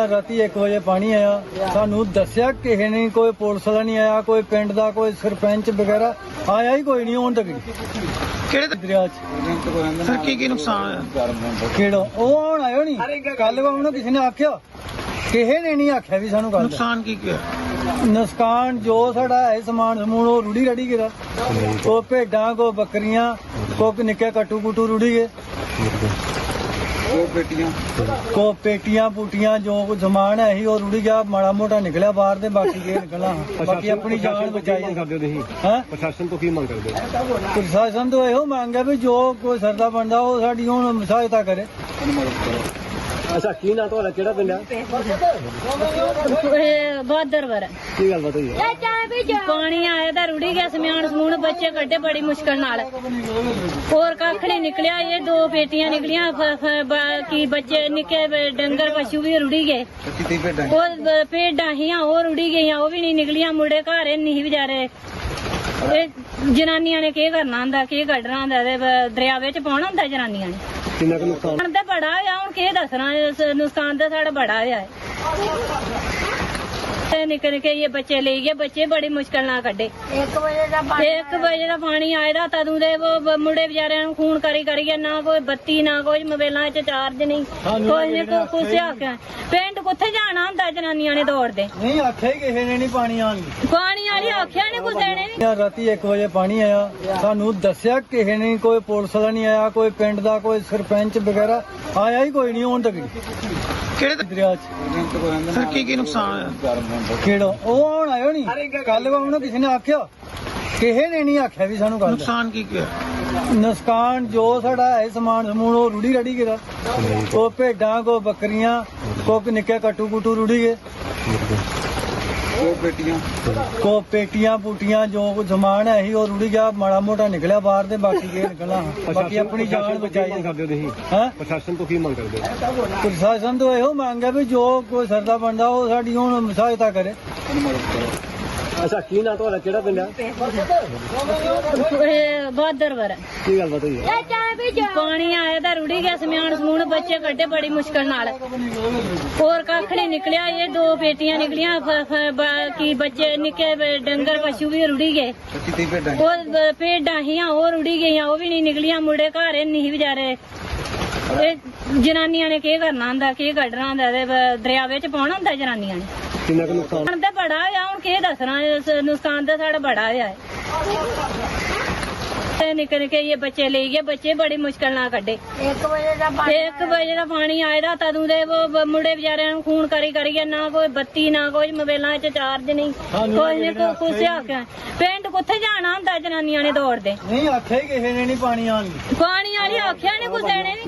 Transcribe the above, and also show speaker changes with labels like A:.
A: राती 1 बजे पानी आया, सानू दस्या किसी ने, कोई पुलिस वाला नहीं आया, कोई पिंड दा कोई सरपंच वगैरह आया ही कोई नहीं हुण तक
B: ਕਿਹੜੇ
A: दरिया च।
B: ਸਰ ਕੀ ਨੁਕਸਾਨ ਹੋਇਆ?
A: ਕਿਹੜਾ ਉਹ ਹੁਣ ਆਇਓ ਨਹੀਂ ਕੱਲ ਉਹਨੂੰ ਕਿਸੇ ਨੇ ਆਖਿਆ, ਕਿਸੇ ਨੇ ਨਹੀਂ ਆਖਿਆ ਵੀ ਸਾਨੂੰ ਕੱਲ
B: ਨੁਕਸਾਨ ਕੀ ਹੋਇਆ?
A: ਨੁਕਸਾਨ ਜੋ ਸਾਡਾ ਹੈ ਸਮਾਨ ਸਮੂਨ ਉਹ ਰੁੜੀ ਰੜੀ ਗਿਆ, ਕੋ ਭੇਡਾਂ ਕੋ ਬੱਕਰੀਆਂ ਕੋ ਨਿੱਕੇ ਕਟੂ ਕੁਟੂ ਰੁੜੀ ਗਏ, ਕੋ ਪੇਟੀਆਂ ਪੂਟੀਆਂ ਜੋ ਕੁਝ ਸਮਾਨ ਹੈ ਸੀ ਉਹ ਰੁੜੀ ਗਿਆ, ਮਾੜਾ ਮੋਟਾ ਨਿਕਲਿਆ ਬਾਹਰ ਤੇ ਬਾਕੀ ਕੀ ਨਿਕਲਣਾ, ਬਾਕੀ ਆਪਣੀ ਜਾਨ ਬਚਾਈ
C: ਕਰਦੇ ਹੋ ਤੁਸੀਂ?
A: ਹੈ
C: ਪ੍ਰਸ਼ਾਸਨ ਤੋਂ ਕੀ ਮੰਗ ਕਰਦੇ ਹੋ?
A: ਪ੍ਰਸ਼ਾਸਨ ਤੋਂ ਇਹੋ ਮੰਗ ਹੈ ਵੀ ਜੋ ਕੋਈ ਸਰਦਾ ਬੰਦਾ ਉਹ ਸਾਡੀ ਹੁਣ ਸਹਾਇਤਾ ਕਰੇ।
C: ਅੱਛਾ, ਕੀ ਨਾਂ ਤੁਹਾਡਾ, ਕਿਹੜਾ ਪਿੰਡ ਆ?
D: ਬਹਾਦਰਵਰ
C: ਕੀ ਗੱਲ ਹੋਈ ਹੈ?
D: ਪਾਣੀ ਆਇਆ ਤਾਂ ਰੁੜੀ ਗਿਆ, ਸਮਾਨ ਸਮੂਨ ਬੱਚੇ ਕੱਢੇ ਬੜੀ ਮੁਸ਼ਕਲ ਨਾਲ, ਹੋਰ ਕੱਖ ਨਹੀਂ ਨਿਕਲਿਆ, ਇਹ 2 ਪੇਟੀਆਂ ਨਿਕਲੀਆਂ, ਬਾਕੀ ਬੱਚੇ ਨਿੱਕੇ ਡੰਗਰ ਪਸ਼ੂ ਵੀ ਰੁੜੀ ਗਏ, ਉਹ ਭੇਡਾਂ ਹੀਆਂ ਉਹ ਰੁੜੀ ਗਈਆਂ, ਉਹ ਵੀ ਨਹੀਂ ਨਿਕਲੀਆਂ, ਮੁੰਡੇ ਘਰ ਨਹੀਂ ਵਿਚਾਰੇ, ਇਹ ਜਨਾਨੀਆਂ ਨੇ ਕੀ ਕਰਨਾ ਹੁੰਦਾ, ਕੀ ਕੱਢਣਾ ਹੁੰਦਾ, ਦਰਿਆ ਵਿੱਚ ਪਾਉਣਾ ਹੁੰਦਾ ਜਨਾਨੀਆਂ ਨੇ।
C: ਕਿੰਨਾ ਕੁ ਨੁਕਸਾਨ?
D: ਹੁਣ ਤਾਂ ਬੜਾ ਹੋਇਆ, ਹੁਣ ਕੀ ਦੱਸਣਾ, ਇਸ ਨੁਕਸਾਨ ਤਾਂ ਸਾਡਾ ਬੜਾ ਹੋਇਆ ਹੈ। ਨਿੱਕੇ ਨਿੱਕੇ ਇਹ ਬੱਚੇ ਲੈ ਗਏ, ਬੱਚੇ ਬੜੀ ਮੁਸ਼ਕਲ ਨਾਲ ਕੱਢੇ। 1 ਵਜੇ ਦਾ ਪਾਣੀ ਆਇਆ, ਤਦੋਂ ਦੇ ਉਹ ਮੁੰਡੇ ਵਿਚਾਰਿਆਂ ਨੂੰ ਖੂਨ ਕਰੀ ਕਰੀਏ, ਨਾ ਕੋਈ ਬੱਤੀ ਨਾ ਕੋਈ ਮੋਬਾਈਲਾਂ 'ਚ ਚਾਰਜ ਨਹੀਂ, ਕੋਈ ਨਹੀਂ ਕੁਛ ਆਖਿਆ, ਪਿੰਡ ਕਿੱਥੇ ਜਾਣਾ ਹੁੰਦਾ, ਜਨਾਨੀਆਂ ਨੇ ਦੌੜਦੇ
A: ਨਹੀਂ ਆਖਿਆ ਹੀ ਕਿਸੇ ਨੇ ਨਹੀਂ ਪਾਣੀ ਆਣ ਦੀ,
D: ਪਾਣੀ ਵਾਲੀ ਆਖਿਆ ਨੇ ਕੁਛ ਦੇਣੇ ਨਹੀਂ।
A: ਰਾਤੀ 1 ਵਜੇ ਪਾਣੀ ਆਇਆ, ਸਾਨੂੰ ਦੱਸਿਆ ਕਿਸੇ ਨੇ, ਕੋਈ ਪੁਲਿਸ ਵਾਲਾ ਨਹੀਂ ਆਇਆ, ਕੋਈ ਪਿੰਡ ਦਾ ਕੋਈ ਸਰਪੰਚ ਵਗੈਰਾ ਆਇਆ ਹੀ ਕੋਈ ਨਹੀਂ ਹੁਣ ਤੱਕ
B: ਕਿਹੜੇ
A: ਦਰਿਆ ਚ।
B: ਸਰ ਕੀ ਨੁਕਸਾਨ ਹੋਇਆ?
A: ਕਿਹੜਾ ਉਹ ਹੁਣ ਆਇਓ ਨਹੀਂ ਕੱਲ ਉਹਨੂੰ ਕਿਸੇ ਨੇ ਆਖਿਆ, ਕਿਸੇ ਨੇ ਨਹੀਂ ਆਖਿਆ ਵੀ ਸਾਨੂੰ ਕੱਲ
B: ਨੁਕਸਾਨ ਕੀ ਹੋਇਆ?
A: ਨੁਕਸਾਨ ਜੋ ਸਾਡਾ ਹੈ ਸਮਾਨ ਸਮੂਨ ਉਹ ਰੁੜੀ ਰੜੀ ਗਿਆ, ਕੋ ਭੇਡਾਂ ਕੋ ਬੱਕਰੀਆਂ ਕੋ ਨਿੱਕੇ ਕਟੂ ਕੁਟੂ ਰੁੜੀ ਗਏ, ਕੋ ਪੇਟੀਆਂ ਪੂਟੀਆਂ ਜੋ ਕੁਝ ਸਮਾਨ ਹੈ ਸੀ ਉਹ ਰੁੜੀ ਗਿਆ, ਮਾੜਾ ਮੋਟਾ ਨਿਕਲਿਆ ਬਾਹਰ ਤੇ ਬਾਕੀ ਕੀ ਨਿਕਲਣਾ, ਬਾਕੀ ਆਪਣੀ ਜਾਨ ਬਚਾਈ।
C: ਕਰਦੇ ਹੋ ਤੁਸੀਂ?
A: ਹੈ
C: ਪ੍ਰਸ਼ਾਸਨ ਤੋਂ ਕੀ ਮੰਗ ਕਰਦੇ ਹੋ?
A: ਪ੍ਰਸ਼ਾਸਨ ਤੋਂ ਇਹੋ ਮੰਗ ਹੈ ਵੀ ਜੋ ਕੋਈ ਸਰਦਾ ਬੰਦਾ ਉਹ ਸਾਡੀ ਹੁਣ ਸਹਾਇਤਾ ਕਰੇ।
C: ਅੱਛਾ, ਕੀ ਨਾਂ ਤੁਹਾਡਾ, ਕਿਹੜਾ ਪਿੰਡ ਆ?
D: ਬਹਾਦਰਵਰ
C: ਕੀ ਗੱਲ ਹੋਈ ਹੈ?
D: ਪਾਣੀ ਆਇਆ ਤਾਂ ਰੁੜੀ ਗਿਆ, ਸਮਾਨ ਸਮੂਨ ਬੱਚੇ ਕੱਢੇ ਬੜੀ ਮੁਸ਼ਕਲ ਨਾਲ, ਹੋਰ ਕੱਖ ਨਹੀਂ ਨਿਕਲਿਆ, ਇਹ 2 ਪੇਟੀਆਂ ਨਿਕਲੀਆਂ, ਬਾਕੀ ਬੱਚੇ ਨਿੱਕੇ ਡੰਗਰ ਪਸ਼ੂ ਵੀ ਰੁੜੀ ਗਏ, ਉਹ ਭੇਡਾਂ ਹੀਆਂ ਉਹ ਰੁੜੀ ਗਈਆਂ, ਉਹ ਵੀ ਨਹੀਂ ਨਿਕਲੀਆਂ, ਮੁੰਡੇ ਘਰ ਨਹੀਂ ਵਿਚਾਰੇ, ਇਹ ਜਨਾਨੀਆਂ ਨੇ ਕੀ ਕਰਨਾ ਹੁੰਦਾ, ਕੀ ਕੱਢਣਾ ਹੁੰਦਾ, ਦਰਿਆ ਵਿੱਚ ਪਾਉਣਾ ਹੁੰਦਾ ਜਨਾਨੀਆਂ ਨੇ।
C: ਕਿੰਨਾ ਕੁ ਨੁਕਸਾਨ?
D: ਹੁਣ ਤਾਂ ਬੜਾ ਹੋਇਆ, ਹੁਣ ਕੀ ਦੱਸਣਾ, ਇਸ ਨੁਕਸਾਨ ਤਾਂ ਸਾਡਾ ਬੜਾ ਹੋਇਆ ਹੈ। ਨਿੱਕੇ ਨਿੱਕੇ ਇਹ ਬੱਚੇ ਲੈ ਗਏ, ਬੱਚੇ ਬੜੀ ਮੁਸ਼ਕਲ ਨਾਲ ਕੱਢੇ। 1 ਵਜੇ ਦਾ ਪਾਣੀ ਆਇਆ, ਤਦੋਂ ਦੇ ਉਹ ਮੁੰਡੇ ਵਿਚਾਰਿਆਂ ਨੂੰ ਖੂਨ ਕਰੀ ਕਰੀਏ, ਨਾ ਕੋਈ ਬੱਤੀ ਨਾ ਕੋਈ ਮੋਬਾਈਲਾਂ 'ਚ ਚਾਰਜ ਨਹੀਂ, ਕੋਈ ਨਹੀਂ ਕੁਛ ਆਖਿਆ, ਪਿੰਡ ਕਿੱਥੇ ਜਾਣਾ ਹੁੰਦਾ, ਜਨਾਨੀਆਂ ਨੇ ਦੌੜਦੇ
A: ਨਹੀਂ ਆਖਿਆ ਹੀ ਕਿਸੇ ਨੇ ਨਹੀਂ ਪਾਣੀ ਆਣ ਦੀ,
D: ਪਾਣੀ ਵਾਲੀ ਆਖਿਆ ਨੇ ਕੁਛ ਦੇਣੇ ਨਹੀਂ।